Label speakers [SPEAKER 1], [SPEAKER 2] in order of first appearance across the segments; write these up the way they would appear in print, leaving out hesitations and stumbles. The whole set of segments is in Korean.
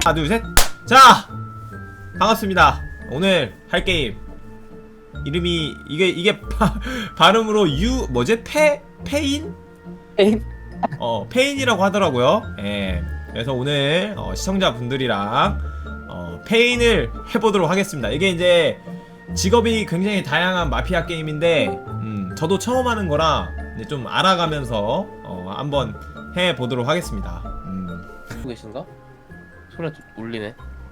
[SPEAKER 1] 하나 둘 셋. 자, 반갑습니다. 오늘 할 게임 이름이 이게 발음으로 뭐지? 페인?
[SPEAKER 2] 페인?
[SPEAKER 1] 페인이라고 하더라고요. 예. 그래서 오늘 시청자분들이랑 페인을 해보도록 하겠습니다. 이게 이제 직업이 굉장히 다양한 마피아 게임인데 저도 처음 하는 거라 이제 좀 알아가면서 한번 해보도록 하겠습니다.
[SPEAKER 2] 하고 계신가? 소리가 좀 울리네.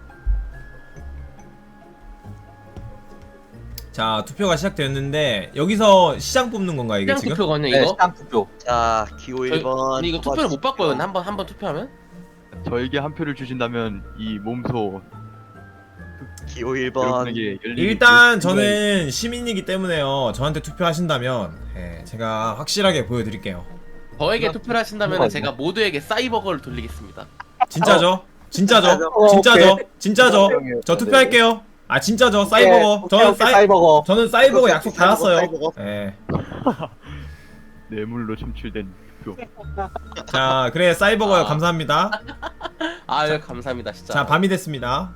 [SPEAKER 1] 자, 투표가 시작되었는데 여기서 시장 뽑는 건가 이게
[SPEAKER 2] 시장
[SPEAKER 1] 지금?
[SPEAKER 2] 투표거든요
[SPEAKER 3] 네,
[SPEAKER 2] 이거?
[SPEAKER 3] 시장 투표.
[SPEAKER 4] 자, 기호 1번.
[SPEAKER 2] 근데 이거 투표를 못 바꿔요. 한번 투표하면?
[SPEAKER 5] 저에게 한 표를 주신다면 이 몸소
[SPEAKER 4] 기호 1번.
[SPEAKER 5] 여러분에게 열린
[SPEAKER 1] 일단 저는 시민이기 때문에요. 저한테 투표하신다면 제가 확실하게 보여드릴게요.
[SPEAKER 2] 저에게 투표를 하신다면 제가 모두에게 사이버거를 돌리겠습니다.
[SPEAKER 1] 진짜죠? 진짜죠? 진짜죠? 진짜죠? 저 투표할게요. 아 진짜죠? 사이버거.
[SPEAKER 3] 사이버거.
[SPEAKER 1] 저는 사이버거 약속 받았어요.
[SPEAKER 4] 사이버거.
[SPEAKER 1] 예.
[SPEAKER 5] 뇌물로 첨출된 투표.
[SPEAKER 1] 자, 그래 사이버거요.
[SPEAKER 2] 아.
[SPEAKER 1] 감사합니다.
[SPEAKER 2] 아유 감사합니다 진짜.
[SPEAKER 1] 자, 밤이 됐습니다.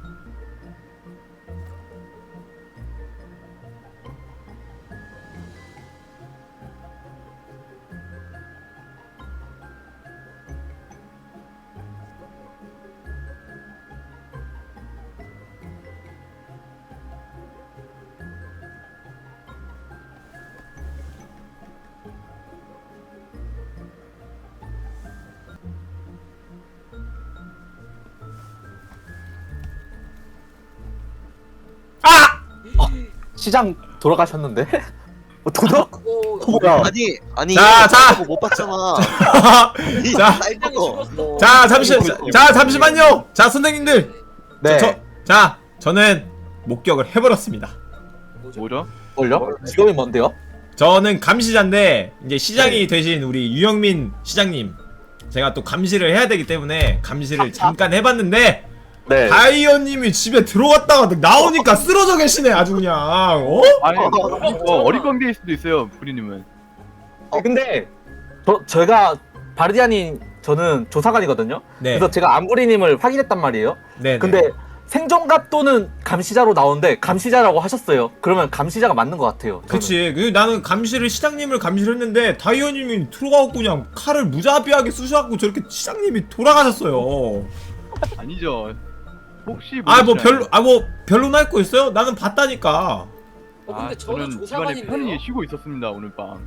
[SPEAKER 1] 아!
[SPEAKER 3] 시장 돌아가셨는데? 도덕? 뭐야?
[SPEAKER 4] 아니.
[SPEAKER 1] 자.
[SPEAKER 4] 이거 못 봤잖아.
[SPEAKER 1] 자.
[SPEAKER 4] 사이버거.
[SPEAKER 1] 자, 잠시만요. 자, 선생님들.
[SPEAKER 3] 네.
[SPEAKER 1] 저는 목격을 해버렸습니다.
[SPEAKER 5] 뭐죠?
[SPEAKER 3] 뭘요? 직업이 뭔데요?
[SPEAKER 1] 저는 감시자인데 이제 시장이 되신 우리 유영민 시장님, 제가 또 감시를 해야 되기 때문에 감시를 잠깐 해봤는데
[SPEAKER 3] 네.
[SPEAKER 1] 다이어님이 집에 들어갔다가 나오니까 쓰러져 계시네 아주 그냥.
[SPEAKER 5] 아니 어리광대일 수도 있어요 부리님은.
[SPEAKER 3] 근데 제가 바르디아님 저는 조사관이거든요.
[SPEAKER 1] 네.
[SPEAKER 3] 그래서 제가 안부리님을 확인했단 말이에요.
[SPEAKER 1] 네.
[SPEAKER 3] 근데 생존갑 또는 감시자로 나오는데 감시자라고 하셨어요. 그러면 감시자가 맞는 것 같아요. 저는.
[SPEAKER 1] 그치. 나는 시장님을 감시를 했는데 다이어님이 들어가고 그냥 칼을 무자비하게 쑤셔갖고 저렇게 시장님이 돌아가셨어요.
[SPEAKER 5] 아니죠. 혹시
[SPEAKER 1] 별로 날 거 있어요? 나는 봤다니까.
[SPEAKER 5] 근데 저는 집안에 편히 쉬고 있었습니다 오늘 밤.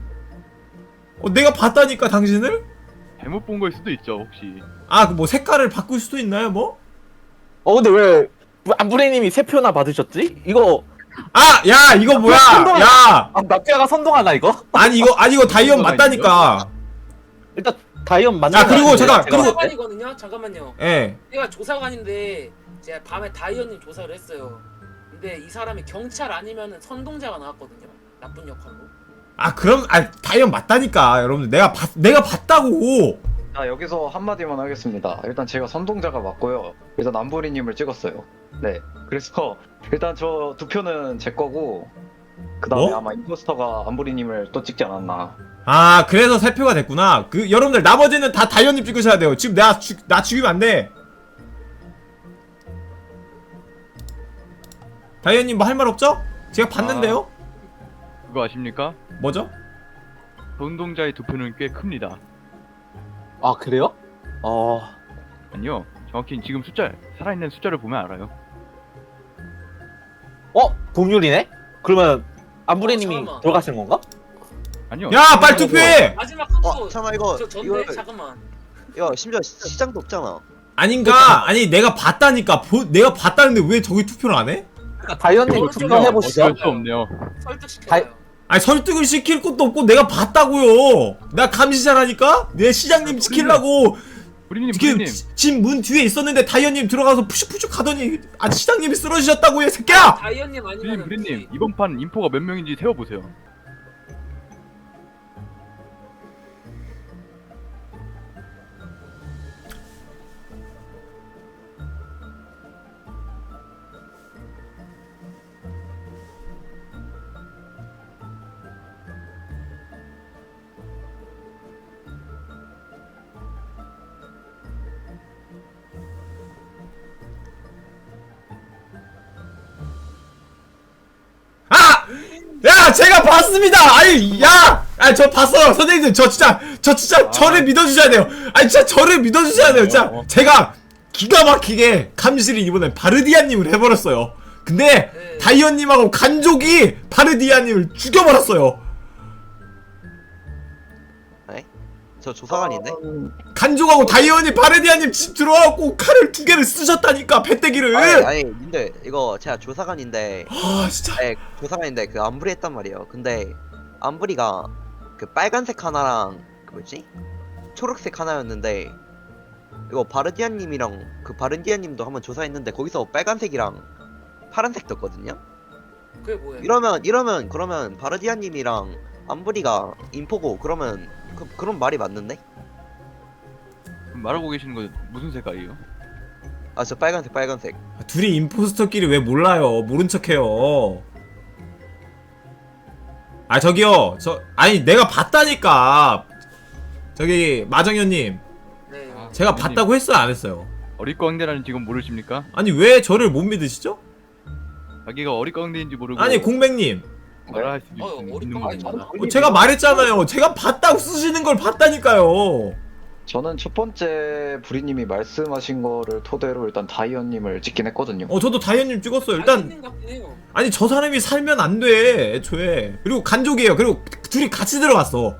[SPEAKER 1] 내가 봤다니까 당신을?
[SPEAKER 5] 잘못 본 걸 수도 있죠 혹시.
[SPEAKER 1] 뭐 색깔을 바꿀 수도 있나요 뭐?
[SPEAKER 3] 근데 왜 안부리님이 3표나 받으셨지? 이거
[SPEAKER 1] 야 이거 뭐야? 야
[SPEAKER 3] 마피아가 선동하나 이거?
[SPEAKER 1] 아니 이거 다이언 맞다니까.
[SPEAKER 3] 일단 다이언 맞는
[SPEAKER 1] 아, 그리고
[SPEAKER 3] 거
[SPEAKER 1] 잠깐,
[SPEAKER 3] 같아요. 제가
[SPEAKER 6] 조사관이거든요. 잠깐만요.
[SPEAKER 1] 예.
[SPEAKER 6] 내가 조사관인데 제가 밤에 다이언님 조사를 했어요. 근데 이 사람이 경찰 아니면은 선동자가 나왔거든요. 나쁜 역할로.
[SPEAKER 1] 그럼 다이언 맞다니까 여러분들. 내가 봤다고.
[SPEAKER 7] 자, 여기서 한마디만 하겠습니다. 일단 제가 선동자가 맞고요. 일단 안부리님을 찍었어요. 네. 그래서 일단 저 2표는 제 거고, 그 다음에
[SPEAKER 1] 뭐?
[SPEAKER 7] 아마 임포스터가 안부리님을 또 찍지 않았나.
[SPEAKER 1] 그래서 3표가 됐구나. 여러분들 나머지는 다 다이언님 찍으셔야 돼요. 지금 나 죽이면 안 돼. 다이언님 뭐 할 말 없죠? 제가 봤는데요.
[SPEAKER 5] 그거 아십니까?
[SPEAKER 1] 뭐죠?
[SPEAKER 5] 선동자의 투표는 꽤 큽니다.
[SPEAKER 3] 아 그래요?
[SPEAKER 5] 아니요 정확히 지금 살아있는 숫자를 보면 알아요.
[SPEAKER 3] 동률이네? 그러면 안부리님이
[SPEAKER 6] 잠깐만.
[SPEAKER 3] 돌아가신 건가?
[SPEAKER 5] 아니요.
[SPEAKER 1] 야 빨리 투표해.
[SPEAKER 6] 마지막 한 표.
[SPEAKER 4] 잠깐만, 이거.
[SPEAKER 6] 저 전데
[SPEAKER 4] 이거.
[SPEAKER 6] 잠깐만.
[SPEAKER 4] 야, 심지어 시장도 없잖아.
[SPEAKER 1] 아니 내가 봤다니까. 내가 봤다는데 왜 저기 투표를 안 해?
[SPEAKER 3] 그러니까 다이언님 투표해보시죠.
[SPEAKER 5] 어쩔 수 없네요.
[SPEAKER 6] 설득시켜요.
[SPEAKER 1] 설득을 시킬 것도 없고 내가 봤다고요. 나 감시자라니까. 내 시장님 지키려고
[SPEAKER 5] 부리님.
[SPEAKER 1] 집 문 뒤에 있었는데 다이언님 들어가서 푸슉푸슉 가더니 시장님이 쓰러지셨다고 이 새끼야.
[SPEAKER 6] 다이언님 아니면
[SPEAKER 5] 부리님 이번 판 인포가 몇 명인지 세어보세요.
[SPEAKER 1] 제가 봤습니다. 아니 야, 아니 저 봤어요 선생님들. 저 진짜 저를 믿어주셔야 돼요. 아니 진짜 저를 믿어주셔야 돼요. 진짜 제가 기가 막히게 감시를 이번에 바르디아님을 해버렸어요. 근데
[SPEAKER 6] 네.
[SPEAKER 1] 다이언님하고 간족이 바르디아님을 죽여버렸어요.
[SPEAKER 4] 저 조사관인데?
[SPEAKER 1] 간족하고 다이언이 바르디아님 집 들어와갖고 칼을 2개를 쓰셨다니까 배때기를.
[SPEAKER 4] 아니 근데 이거 제가 조사관인데
[SPEAKER 1] 아 진짜.
[SPEAKER 4] 네, 조사관인데 그 암브리 했단 말이에요. 근데 암브리가 그 빨간색 하나랑 그 뭐지? 초록색 하나였는데 이거 바르디아님이랑 그 바르디아님도 한번 조사했는데 거기서 빨간색이랑 파란색 떴거든요.
[SPEAKER 6] 그게 뭐예요?
[SPEAKER 4] 이러면 그러면 바르디아님이랑 암브리가 인포고 그러면 그런 말이 맞는데?
[SPEAKER 5] 말하고 계시는 건 무슨 색깔이에요?
[SPEAKER 4] 아 저 빨간색.
[SPEAKER 1] 둘이 임포스터끼리 왜 몰라요? 모른 척해요. 아 저기요, 아니 내가 봤다니까. 저기 마정현님,
[SPEAKER 6] 네.
[SPEAKER 1] 제가 봤다고 했어요, 안 했어요?
[SPEAKER 5] 어릿광대라는 지금 모르십니까?
[SPEAKER 1] 아니 왜 저를 못 믿으시죠?
[SPEAKER 5] 자기가 어릿광대인지 모르고
[SPEAKER 1] 아니 공백님,
[SPEAKER 5] 말할 수
[SPEAKER 6] 어릿광대
[SPEAKER 5] 있는
[SPEAKER 6] 맞아.
[SPEAKER 5] 겁니다.
[SPEAKER 1] 제가 말했잖아요. 제가 봤다고 쓰시는 걸 봤다니까요.
[SPEAKER 7] 저는 첫 번째 부리님이 말씀하신 거를 토대로 일단 다이언님을 찍긴 했거든요.
[SPEAKER 1] 저도 다이언님 찍었어요. 일단
[SPEAKER 6] 같긴 해요.
[SPEAKER 1] 아니 저 사람이 살면 안 돼, 애초에. 그리고 간족이에요. 그리고 둘이 같이 들어갔어.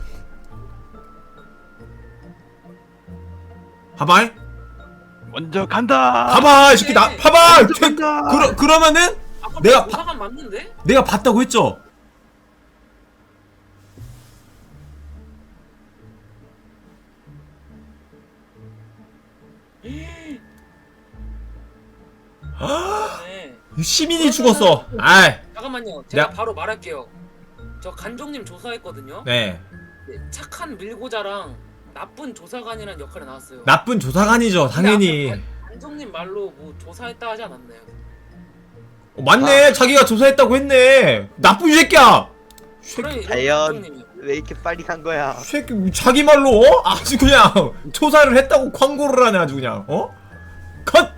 [SPEAKER 1] 봐봐.
[SPEAKER 5] 먼저 간다.
[SPEAKER 1] 봐봐, 이 새끼 나 봐봐.
[SPEAKER 5] 간다.
[SPEAKER 1] 그러면은
[SPEAKER 6] 아까
[SPEAKER 1] 내가
[SPEAKER 6] 조사관 맞는데?
[SPEAKER 1] 내가 봤다고 했죠.
[SPEAKER 6] 네.
[SPEAKER 1] 시민이 죽었어. 아이,
[SPEAKER 6] 잠깐만요. 제가
[SPEAKER 1] 내가-
[SPEAKER 6] 바로 말할게요. 저 간종님 조사했거든요.
[SPEAKER 1] 네.
[SPEAKER 6] 네, 착한 밀고자랑 나쁜 조사관이라는 역할이 나왔어요.
[SPEAKER 1] 나쁜 조사관이죠, 당연히.
[SPEAKER 6] 간종님 말로 뭐 조사했다 하지 않았나요?
[SPEAKER 1] 맞네, 자기가 조사했다고 했네. 나쁜 새끼야.
[SPEAKER 6] 그래,
[SPEAKER 4] 과연-
[SPEAKER 6] 간종님이.
[SPEAKER 4] 왜 이렇게 빨리 간 거야?
[SPEAKER 1] 새끼 자기 말로 아주 그냥 조사를 했다고 광고를 하네 아주 그냥. 컷.